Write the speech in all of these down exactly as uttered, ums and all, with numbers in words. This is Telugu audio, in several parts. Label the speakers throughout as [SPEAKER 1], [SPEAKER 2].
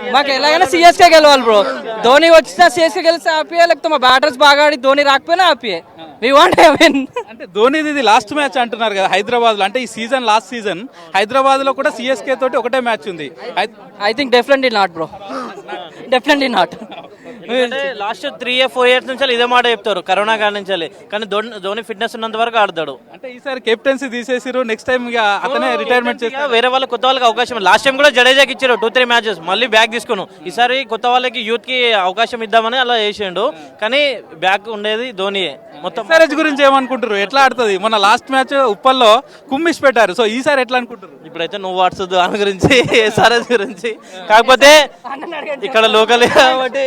[SPEAKER 1] మాకు ఎలాగైనా సిఎస్కే గెలవాలి బ్రో. ధోని వచ్చినా సిఎస్కే గెలిస్తే హ్యాపీయే, లేకపోతే మా బ్యాటర్స్ బాగా ఆడి ధోని రాకపోయినా హ్యాపీయే. We want to win.
[SPEAKER 2] అంటే ధోనిది ఇది లాస్ట్ మ్యాచ్ అంటున్నారు కదా హైదరాబాద్ లో, అంటే ఈ సీజన్ లాస్ట్ సీజన్ హైదరాబాద్ లో కూడా సిఎస్కే తోటి ఒకటే మ్యాచ్ ఉంది.
[SPEAKER 1] I think definitely not bro, definitely not.
[SPEAKER 3] Last three year four years నుంచి ఇదే మాట చెప్తారు కరోనా కాడి నుంచి, కానీ ధోని ధోని ఫిట్నెస్ ఉన్నంత వరకు ఆడతాడు.
[SPEAKER 2] అంటే ఈసారి కెప్టెన్సీ తీసేసిరు, నెక్స్ట్ టైం ఇక అతనే రిటైర్మెంట్ చేస్తారు.
[SPEAKER 3] వేరే వాళ్ళ కొత్త వాళ్ళకి అవకాశం, లాస్ట్ టైం కూడా జడేజాకి ఇచ్చారు టూ త్రీ మ్యాచెస్, మళ్ళీ బ్యాక్ తీసుకున్నాం. ఈసారి కొత్త వాళ్ళకి యూత్ కి అవకాశం ఇద్దామని అలా చేసిండు, కానీ బ్యాక్ ఉండేది ధోనియే. మొత్తం
[SPEAKER 2] ఎస్ఆర్హెచ్ గురించి ఏమనుకుంటారు, ఎట్లా ఆడుతుంది? మొన్న లాస్ట్ మ్యాచ్ ఉప్పల్లో కుమ్మిష్ పెట్టారు, సో ఈసారి ఎట్లా అనుకుంటారు?
[SPEAKER 3] ఇప్పుడైతే నువ్వు వాట్సప్ దాని గురించి ఎస్ఆర్ఎస్ గురించి, కాకపోతే ఇక్కడ లోకల్ కాబట్టి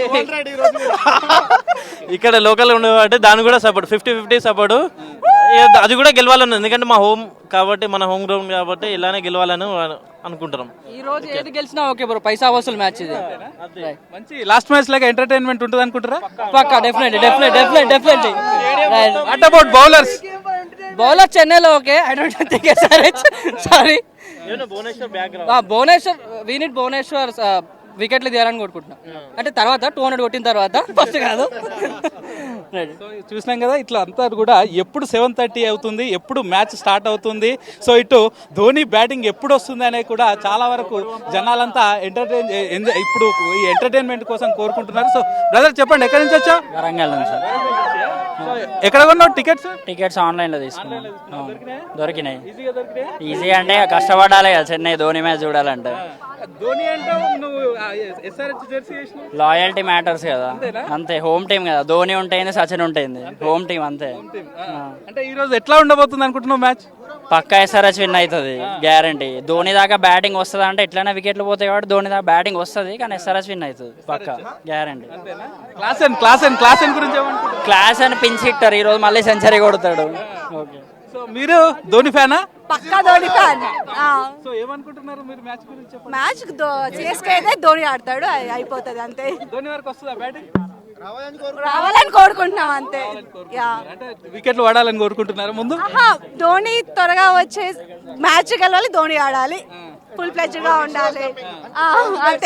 [SPEAKER 3] ఇక్కడ లోకల్ ఉండేవాటి దాని కూడా సపోర్ట్ ఫిఫ్టీ ఫిఫ్టీ సపోర్ట్, అది కూడా గెలవాలని, ఎందుకంటే మా హోమ్ కాబట్టి మన హోమ్ గ్రౌండ్ కాబట్టి ఇలానే గెలవాలని అనుకుంటున్నాం.
[SPEAKER 1] ఈ రోజు ఏది గెలిచినా ఓకే బ్రో, పైసా వసూలు మ్యాచ్ ఇది.
[SPEAKER 2] మంచి లాస్ట్ మ్యాచ్ లాగా ఎంటర్టైన్మెంట్ ఉంటుంది అనుకుంటారా?
[SPEAKER 1] పక్కా, definitely definitely definitely definitely.
[SPEAKER 2] What about bowlers?
[SPEAKER 1] Bowler చెన్నైలో okay, I don't think SRH. Sorry, Bhuvneshwar we need Bhuvneshwar వికెట్లు తీయాలని కొట్టుకుంటున్నాం. అంటే తర్వాత టూ హండ్రెడ్ కొట్టిన తర్వాత, ఫస్ట్ కాదు.
[SPEAKER 2] సో చూసినాం కదా, ఇట్లా అంతా కూడా ఎప్పుడు సెవెన్ థర్టీ అవుతుంది, ఎప్పుడు మ్యాచ్ స్టార్ట్ అవుతుంది, సో ఇటు ధోని బ్యాటింగ్ ఎప్పుడు వస్తుంది అనేది కూడా చాలా వరకు జనాలంతా ఎంటర్టైన్ ఎంజాయ్ ఇప్పుడు ఈ ఎంటర్టైన్మెంట్ కోసం కోరుకుంటున్నారు. సో బ్రదర్ చెప్పండి, ఎక్కడి నుంచి వచ్చా?
[SPEAKER 4] వరంగల్ నుంచి.
[SPEAKER 2] ఎక్కడ కొన్నావు టికెట్స్?
[SPEAKER 4] టికెట్స్ ఆన్లైన్ లో తీసుకున్నాం, దొరికినాయి. ఈజీ అంటే కష్టపడాలి కదా చెన్నై ధోని మ్యాచ్ చూడాలంటే.
[SPEAKER 2] ధోని అంటే నువ్వు ఎస్ఆర్హెచ్ జెర్సీ చేసినావు,
[SPEAKER 4] లాయల్టీ మ్యాటర్స్ కదా, అంతే. హోమ్ టీం కదా, ధోని ఉంటుంది సచిన్ ఉంటుంది, హోమ్ టీం అంతే.
[SPEAKER 2] అంటే ఈ రోజు ఎట్లా ఉండబోతుంది అనుకుంటున్నావు మ్యాచ్?
[SPEAKER 4] పక్కా ఎస్ఆర్హెచ్ విన్ అవుతుంది గ్యారంటీ. ధోని దాకా బ్యాటింగ్ వస్తుంది అంటే ఎట్లయినా వికెట్లు పోతాయి కాబట్టి ధోని దాకా బ్యాటింగ్ వస్తుంది, కానీ ఎస్ఆర్హెచ్ విన్ అవుతుంది పక్కా guarantee.
[SPEAKER 2] Class and class and class and గురించి ఏమనుకుంటున్నారు?
[SPEAKER 4] క్లాస్ అని పిన్స్ హిట్టర్, ఈ రోజు మళ్ళీ సెంచరీ కొడతాడు. ఓకే,
[SPEAKER 2] సో మీరు ధోని ఫ్యానా?
[SPEAKER 5] పక్కా ధోని ఫ్యాన్.
[SPEAKER 2] సో ఏమనుకుంటున్నారు మీరు మ్యాచ్ గురించి?
[SPEAKER 5] మ్యాచ్ సిఎస్కే అయితే ధోని ఆడతాడు, అయిపోతుంది అంతే.
[SPEAKER 2] ధోని వరకు వస్తుందా బ్యాటింగ్?
[SPEAKER 5] రావాలని కోరుకుంటున్నాం అంతే.
[SPEAKER 2] అంటే వికెట్లు పడాలని కోరుకుంటున్నారు ముందు.
[SPEAKER 5] ధోని త్వరగా వచ్చే మ్యాచ్ గెలవాలి, ధోని ఆడాలి, ఫుల్ ప్లెజ్ గా ఉండాలి అంతే.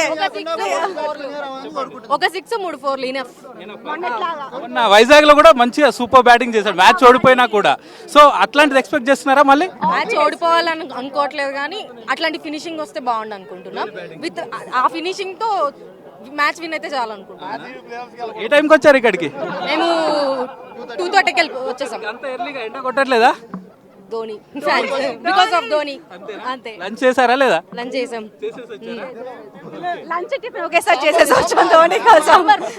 [SPEAKER 6] ఒక సిక్స్ మూడు ఫోర్ ఇనఫ్.
[SPEAKER 2] మొన్న వైజాగ్ లో కూడా మంచిగా సూపర్ బ్యాటింగ్ చేశాడు, మ్యాచ్ ఓడిపోయినా కూడా. సో అట్లాంటిది ఎక్స్పెక్ట్ చేస్తున్నారా మళ్ళీ?
[SPEAKER 6] మ్యాచ్ ఓడిపోవాలని అనుకోవట్లేదు, కానీ అట్లాంటి ఫినిషింగ్ వస్తే బాగుండు అనుకుంటున్నాం. విత్ ఆ ఫినిషింగ్ తో మ్యాచ్ విన్ అయితే చాలా అనుకుంటున్నాం.
[SPEAKER 2] ఏ టైంకి వచ్చారు ఇక్కడికి?
[SPEAKER 6] మేము టూ థర్టీకి వెళ్ళి వచ్చేసాం.
[SPEAKER 2] అంత ఎర్లీగా ఎండ కొట్టట్లేదా?
[SPEAKER 6] Dhoni fans, because of Dhoni అంతే.
[SPEAKER 2] లంచ్ చేశారా లేదా?
[SPEAKER 6] లంచ్ చేసాం.
[SPEAKER 5] లంచ్ టిఫిన్ ఒకేసారి చేసేసి వచ్చాం ధోని కోసం.